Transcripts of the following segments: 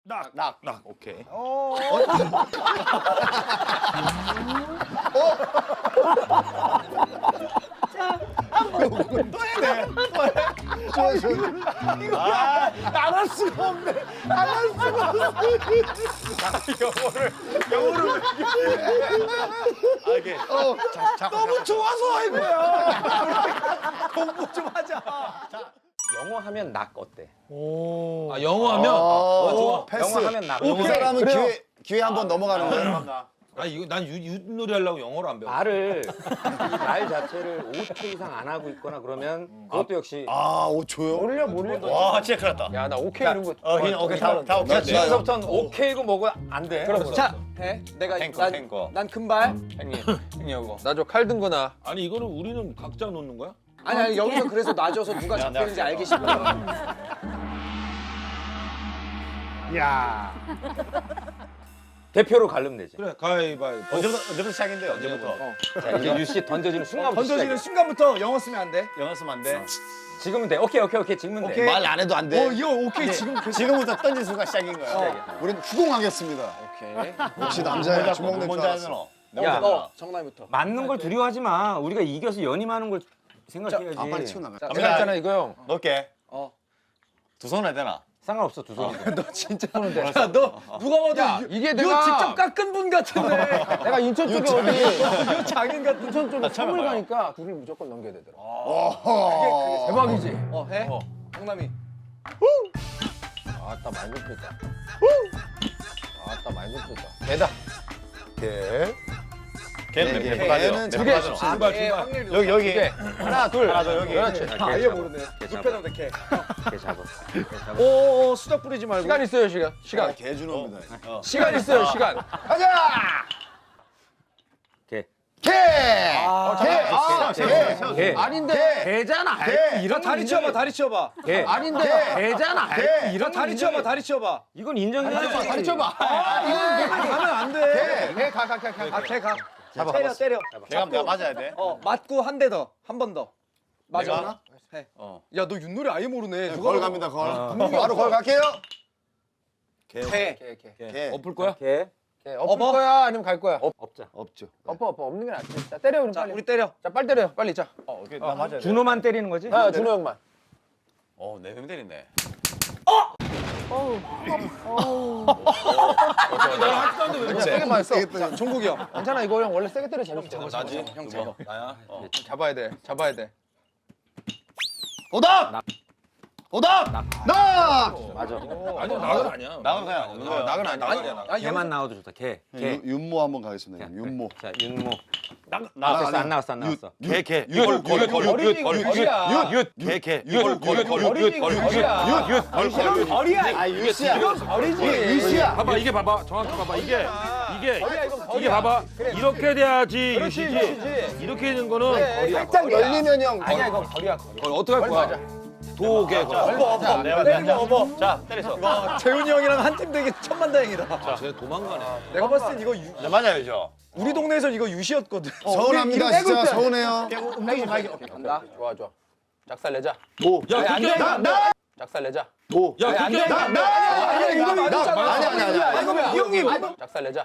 낙. 오케이. 안할 수가 없네. 안할 수가 없어. 영어를. 이게. 너무 좋아서 한 거야. 공부 좀 하자. 영어 하면 낙 어때? 아, 영어 하면? 좋아. 패스. 영어 하면 낙. 그 사람은 기회 한번 넘어가는 거야. 아, 이거 난 윷놀이 하려고 영어를 안 배워. 말 자체를 5초 이상 안 하고 있거나 그러면 그것도 역시 5초요? 몰려. 와, 진짜 큰일 났다. 야, 나 오케이 이런 거. 오케이, 다 자, 오케이. 지금부터는 오케이고 뭐고 안 돼. 자, 해. 내가 탱커. 난 금발. 형님 이거. 나 저 칼 든 거나. 아니, 이거는 우리는 각자 놓는 거야? 아니 여기서 그래서 놔줘서 누가 잡히는지 알기 싫어. 대표로 가르면 되지. 그래, 가위바위보. 언제부터 시작인데, 언제부터? 자, 이제 유씨 던져지는 순간부터 던져지는 시작이야. 순간부터 영어 쓰면 안 돼. 영어 쓰면 안 돼. 지금은 돼. 오케이. 지금은 돼. 말 안 해도 안 돼. 이거 오케이 지금 지금부터 던진 순간 시작인 거야. 우린 후공하겠습니다. 오케이. 역시 남자야. 주먹 낼줄 먼저 알았어. 하잖아. 야, 너 정남이부터. 맞는 걸 두려워하지 마. 우리가 이겨서 연임하는 걸 생각해야지. 빨리 치고 나가. 제가 했잖아 이거 형. 넣을게. 어. 두 손 해야 되나? 상관없어 두 손이. 너 진짜 하는데. 야, 너 누가 봐도 이게 내가 직접 깎은 분 같은데. 내가 인천 쪽에 어디 장인 같은 인천 쪽에 서울 가니까 둘이 무조건 넘겨야 되더라. 그게 대박이지. 해. 정남이. 아따 많이 높였다. 아따 많이 높였다. 개다. 걔는 네, 몇 가지요? 걔는 몇 가지요? 확률이 여기. 하나 둘. 하나 더 여기. 그렇지. 자, 아예 개 잡아. 모르네. 개 잡아. 눕혀놓는데 개. 개 잡아. 오 수작 뿌리지 말고. 시간 있어요 시간. 개주노입니다. 시간 있어요 시간. 가자. 개. 개! 개. 아닌데. 개잖아. 이런 다리 치워봐 다리 치워봐. 개. 아닌데. 개잖아. 이런 다리 치워봐 다리 치워봐. 이건 인정해야지. 다리 치워봐. 이건 가면 안 돼. 개 가. 잡아. 때려. 내가 맞아야 돼. 맞고 한 대 더. 한 번 더. 맞아. 내가? 해. 야 너 윷놀이 아예 모르네. 걸 갑니다, 걸. 바로 걸 갈게요. 개. 개. 엎을 거야? 개. 엎을 거야 아니면 갈 거야? 없자. 없죠. 엎어 없는 게 낫지. 자 때려 그럼 빨리. 우리 때려. 자 빨리 때려 빨리 자. 오케이, 나 맞아야 돼. 준호만 때리는 거지? 준호 형만. 네 명 때리네. 세게 맞았어. 자, 종국이 형. 괜찮아 이거 형 원래 세게 때려 재밌어. 나지? 형 잡아. 나야? 잡아야 돼. 오답! 오답! 낙! 맞아. 아니, 낙은 아니야. 나는 그냥 없는 거야. 낙은 아니야. 개만 나와도 좋다. 개. 윤모 한번 가겠습니다. 윤모. 자, 윤모. 안 나왔어. 안 나왔어. 개. 어리지 이거 거리야. 개. 거리야. 아, 유씨야. 거리지. 유씨야. 봐봐, 이게 봐봐. 정확히 봐봐. 이게 봐봐. 이렇게 돼야지 유시지. 이렇게 되는 거는 거리야. 살짝 열리면 형. 아니야 이거 거리야. 거리 어떻게 할 거야? 도개. 업어. 자, 때렸어. 재훈이 형이랑 한 팀 되게 천만다행이다. 쟤 도망가네. 내가 봤을 땐 이거 네, 맞아야죠. 우리 동네에선 이거 유시였거든. 서운합니다, 진짜 서운해요. 간다. 좋아. 작살 내자. 야, 그게 작살 내자. 야, 그게 아니야 이거 맞았잖아. 아니야. 이 형님. 작살 내자.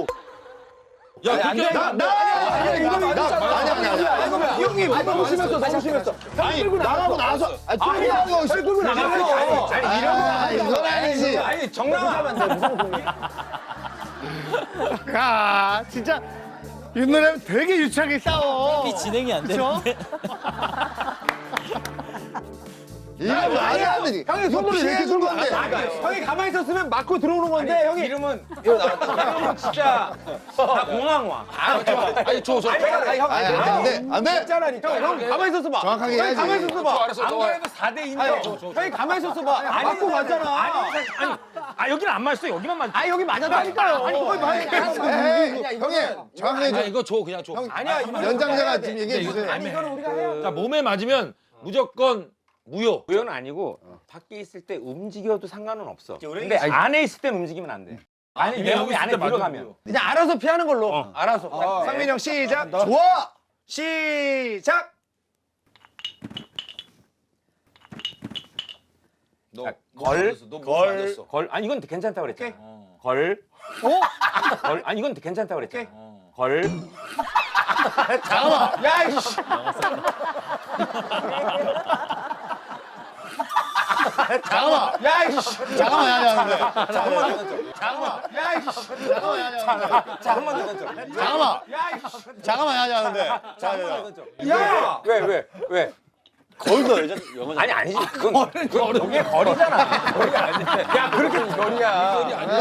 야, 그게 아니야 이거 맞았잖아. 이 형님 너무 심했어. 아니, 나가고 나서. 아니, 끌고 나가고. 이건 아니지. 아니 정남아. 야, 진짜 윤노래는 되게 유치하게 싸워. 진행이 안 되는데. 이거 말이 안 되지. 형이 손으로 이렇게 준 건데. 형이 가만히 있었으면 맞고 들어오는 건데 형이 이름은 진짜 다 공항와. 아니, 저. 안 돼. 있잖아니까. 형 가만히 있었어 봐. 정확하게 형이 해야지. 가만히 있었어 봐. 안 그래도 4대 2인데. 형이 가만히 있었어 봐. 맞고 갔잖아. 아, 여기는 안 맞았어. 여기만 맞았어. 아 여기 맞았다니까요. 아니 거기 형님, 정확하게 아, 해줘. 이거 줘, 그냥 줘. 아니야 연장자가 지금 얘기해 주세요. 아니 이거는 우리가 해야. 자, 몸에 맞으면 무조건 무효. 무효는 아니고 밖에 있을 때 움직여도 상관은 없어. 근데 안에 있을 땐 움직이면 안 돼. 아니 내 몸이 안에 들어가면. 그냥 알아서 피하는 걸로. 알아서. 상민이 형 시작. 좋아. 시작. 걸. 아니 이건 괜찮다고 그랬잖아. 걸. 걸. 아니 이건 괜찮다고 그랬잖아. 걸. 잠깐만. 야 이씨. 잠깐만. 야 이씨. 잠깐만 하냐는데. 잠깐만. 야 이씨. 잠깐만 하냐는데. 자, 한 번 더 던져. 잠깐만. 잠깐만 하냐는데. 야! 왜? 걸도 여자 영어. 아니 아니지. 그건 그게 거리잖아. 거리가 아닌데. 야, 그렇게 거리야.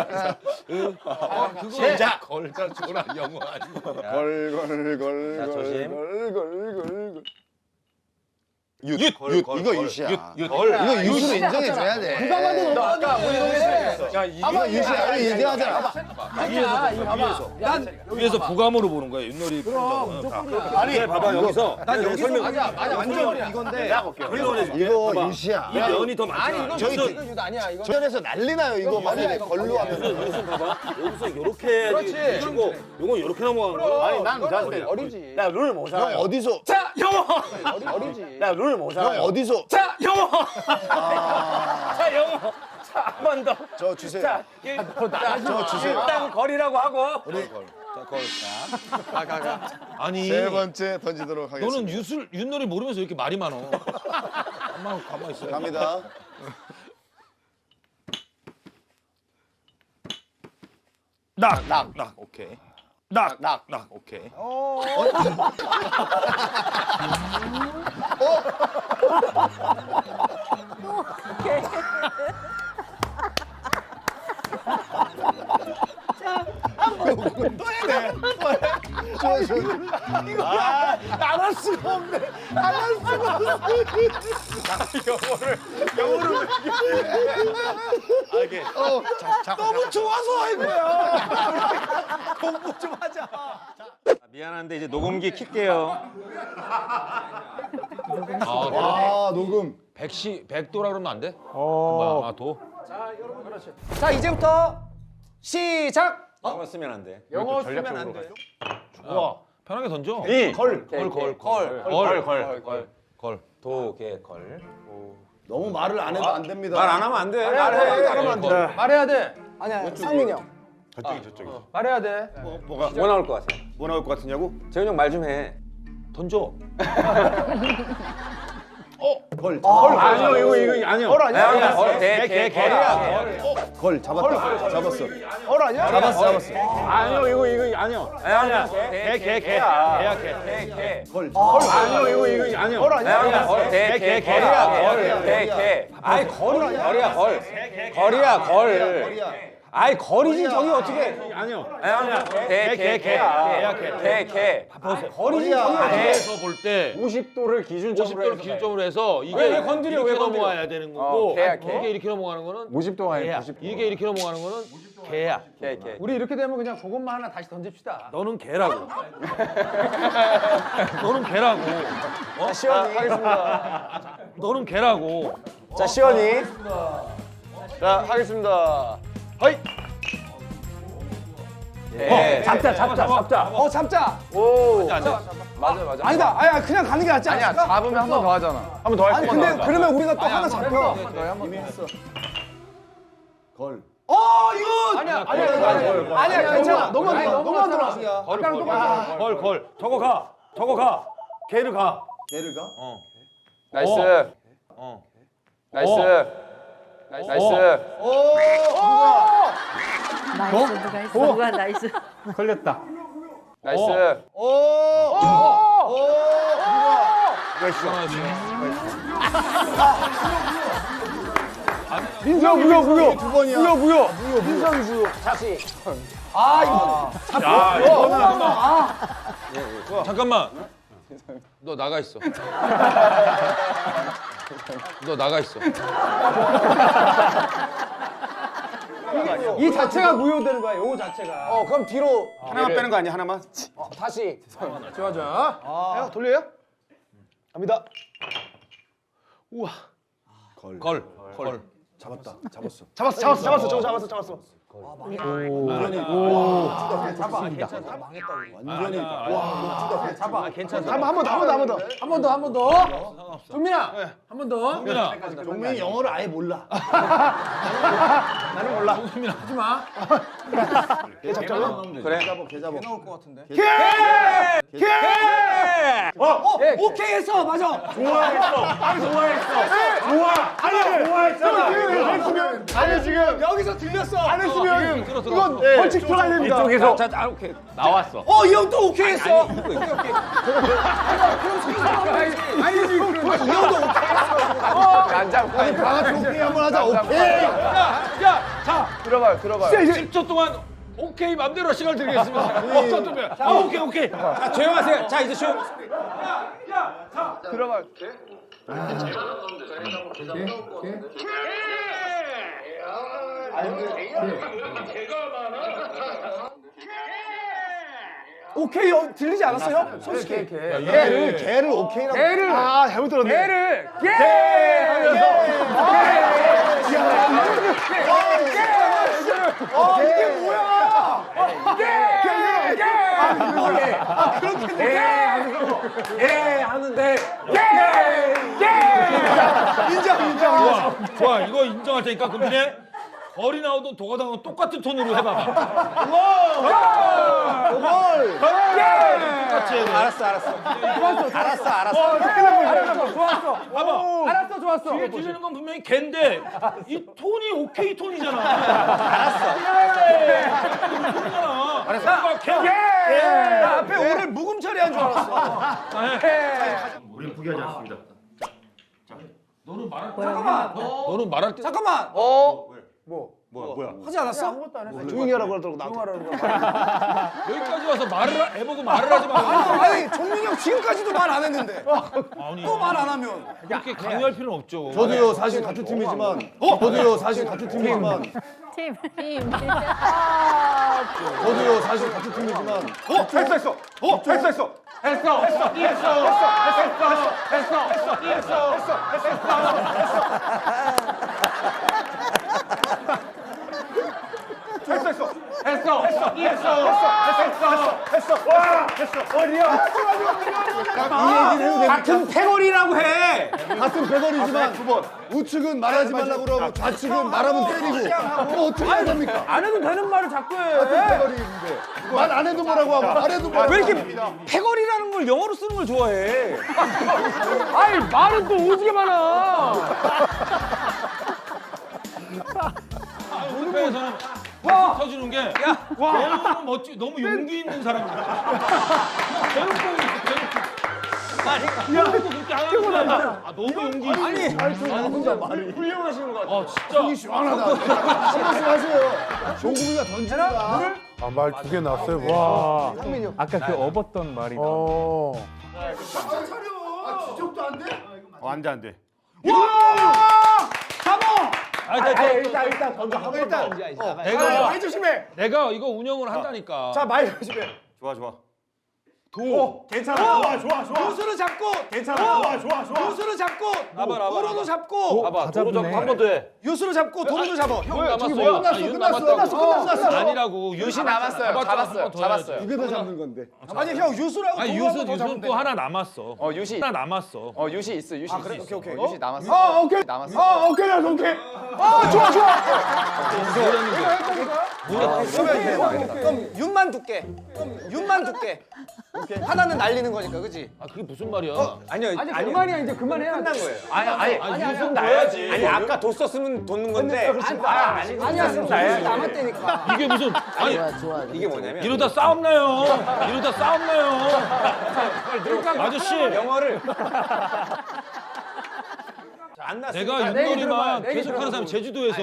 시작. 걸자 줘라 영어 아니고. 걸. 자, 조심. 걸. 윷 이거 윷이야. 이거 윷으로 인정해줘야 돼. 누가 봐도 너 아까 우리 야 이거 윷이야. 이거 인정하잖아. 위에서 부감으로 보는 거야 윷놀이. 아니 봐봐 여기서. 난 여기서 맞아 완전 이건데. 이거 윷이야. 이 면이 더 많잖아. 아니 이건 저기 이거 유도 아니야 이거. 전에서 난리 나요. 이거 만약에 걸로 하면. 무슨 봐봐. 여기서 이렇게 해야지. 치고 요건 이렇게 넘어가는 거야. 아니 난 자신이. 어리지. 룰 못 형 어디서? 자, 영어. 어리지. 룰 못 형 어디서? 자, 영어. 자, 영어. 자, 한 번 더. 저 주세요. 자, 저 주세요. 일단 거리라고 하고. 아니 세 번째 던지도록 하겠습니다. 너는 윷놀이 모르면서 이렇게 말이 많어. 가만 있어. 갑니다. 낙 오케이. 낙 오케이. 안할 수가 없네. 안할 수가 없네. 영어를 이게 너무 좋아서 할 거야. 공부 좀 하자. 미안한데 이제 녹음기 킬게요. 아 녹음. 100도라 그러면 안 돼? 뭐야? 도? 자 이제부터 시작. 영어 쓰면 안 돼. 영어 쓰면 안 돼. 좋아. 편하게 던져. 걸. 도개 걸. 너무 말을 안 해도 안 됩니다. 말 안 하면 안 돼. 말하면 안 돼. 말해야 돼. 아니야 상민이 형. 저쪽이. 말해야 돼. 뭐 나올 것 같아? 뭐 나올 것 같으냐고? 재훈 형 말 좀 해. 던져. 아니요 이거 아니요. 걸 아니야? 거리야. 걸 잡았다. 잡았어. 걸 아니야? 잡았어. 아니요 이거 아니요. 아니야. 개. 걸. 아니요 이거 아니요. 걸 아니야? 거리야. 아이 거리야 걸. 거리야 걸. 아이 거리지 저기 어떻게? 아니요. 아니야. 개. 거리지 저기 어떻게? 에서 볼 때 50도를 기준점으로 50도를 기준점으로 해서 이게 왜 건드려, 이렇게 왜 건드려? 넘어와야 되는 거고 개야. 이게 이렇게 넘어가는 거는 50도가 개야. 이게 이렇게 넘어가는 거는 개야. 개. 우리 이렇게 되면 그냥 그것만 하나 다시 던집시다. 너는 개라고. 너는 개라고. 시원이 하겠습니다. 너는 개라고. 자 시원이. 자 하겠습니다. 허이. 잡자. 잡자. 오. 맞아. 아니다. 아야 그냥 가는 게 낫지 않을까? 잡으면 한 번 더 하잖아. 한 번 더 할 아니 근데 그러면 우리가 또 하나 잡혀. 이미 했어. 걸. 아니야 괜찮아. 너만 들어. 아까랑 똑같아. 걸. 저거 가. 개를 가. 개를 가? 나이스. 나이스. 누가 했어? 누가 나이스. 걸렸다. 나이스. 민서 무효. 두 번이야. 무효. 민선 무효. 다시. 잠깐만. 너 나가 있어. 너 나가 있어. 이 자체가 무효되는 거야. 요거 자체가. 그럼 뒤로 하나만 빼는 거 아니야? 하나만? 다시. 좋아. 돌려요? 갑니다. 걸. 잡았다. 잡았어. 잡았어. 저거 잡았어. 완전히. 잡아. 괜찮아. 한 번 더. 한 번 더. 종민아, 한 번 더. 종민이 영어를 아예 몰라. 나는 몰라. 하지 마. 걔 잡자고? 그래. 걔 잡아. 나올 것 같은데. 오케이 했어. 맞아. 좋아했어. 아니 지금 여기서 들렸어. 안 했으면 이건 벌칙 들어가야 됩니다. 이쪽에서 자, 오케이. 나왔어. 이 형 또 오케이 했어. 아니, 이거 아니 지금 이 형도 오케이 했어. 안 잡고. 아니 다 같이 오케이 한번 하자. 오케이. 자, 들어봐요. 10초 동안 오케이 맘대로 시간을 드리겠습니다. 오케이. 자, 조용하세요. 자, 이제 조용. 들어봐요. 오케이 들리지 않았어요? 솔직히. 걔를 오케이라고. 개를 잘못 들었네. 개를 이게 뭐야? 좋아, 이거 인정할 테니까 금빈이 벌이 나오든 도가 나오든 똑같은 톤으로 해봐봐. 똑같이 해야 돼. 알았어, 좋았어. 뒤에 들리는 건 분명히 걘데 이 톤이 오케이 톤이잖아. 알았어. 알았어. 걔. 나 앞에 오늘 묵음 처리한 줄 알았어. 우리는 포기하지 않습니다. 너는 말할 때 잠깐만. 뭐야? 하지 않았어? 조용히 하라고 하더라고 나도. 여기까지 와서 해보고 말을 하지 말고. 아니 종민이 형 지금까지도 말 안 했는데 아니, 또 말 안 하면 그렇게 강요할 필요는 없죠. 저도요 사실 같은 팀이지만. 저도요 사실 같은 팀이지만. 팀. 저도요 사실 같은 팀이지만. 같은 패거리라고 해. 같은 배걸이지만 우측은 말하지 말라고 그러고 좌측은 말하면 때리고. 그럼 어떻게 해야 됩니까? 안 해도 되는 말을 자꾸 해. 같은 배걸이인데 말 안 해도 뭐라고 하고 말해도 뭐라고. 왜 이렇게 패거리라는 걸 영어로 쓰는 걸 좋아해? 아니 말은 또 오지게 많아. 올림픽에서는 터지는 게 너무 멋지, 너무 용기 있는 사람이야. 대놓고 그렇게 하는 너무 용기 있어. 혼자 말이. 훌륭하시는 것 같아. 진짜. 시원하다. 한 말씀 하세요. 종국이가 던지니까. 말 2개 났어요. 와. 아까 그 업었던 말이. 지적도 안 돼? 안 돼. 일단 던져. 일단. 많이 조심해. 내가 이거 운영을 한다니까. 자, 많이 조심해. 좋아. 괜찮아. 좋아. 요수를 잡고 괜찮아. 좋아. 요수를 잡고 나봐. 도로도 잡고 봐봐, 도로 잡고 한 번 더 해. 요수를 잡고 도로도 잡아. 형 남았어요. 끝났어. 아니라고. 유시 남았어요. 잡았어요. 두 개 더 잡는 건데. 아니 형 요수라고 아니, 도로 한번 더 유수 잡으면 또 하나 남았어. 유시. 하나 남았어. 유시 있어. 그래? 오케이. 유시 남았어. 오케이. 남았어. 오케이. 좋아. 그럼 윤만 둘게. 하나는 날리는 거니까, 그렇지? 아, 그게 무슨 말이야? 아니요. 아니 그만이야 이제 그만해야 끝난 돼. 거예요. 아니 유수 놔야지. 아니 아까 도 썼으면 돋는 건데. 아니야 요수 남았다니까. 이게 무슨 아니 이게 뭐냐면 이러다 싸움 나요. 아저씨, 영어를 안 났어. 내가 윷놀이만 계속하는 사람이 제주도에서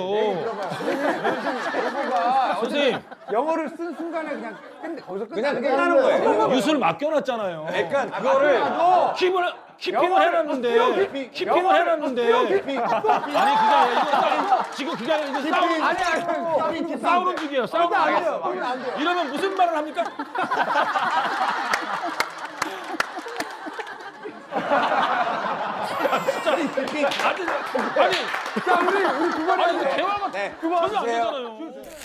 선생님 영어를 쓴 순간에 그냥 거기서 그냥 끝나는 거예요. 유수를 맡겨놨잖아요. 그러니까 그거를 키핑을 해놨는데 아니 그게 아니라 이거 지금 그게 아니라 이거 싸우는 중이에요. 이러면 무슨 말을 합니까? 진짜 아니, 자, 우리 그만해. 아니 대화가 전혀 안 되잖아요.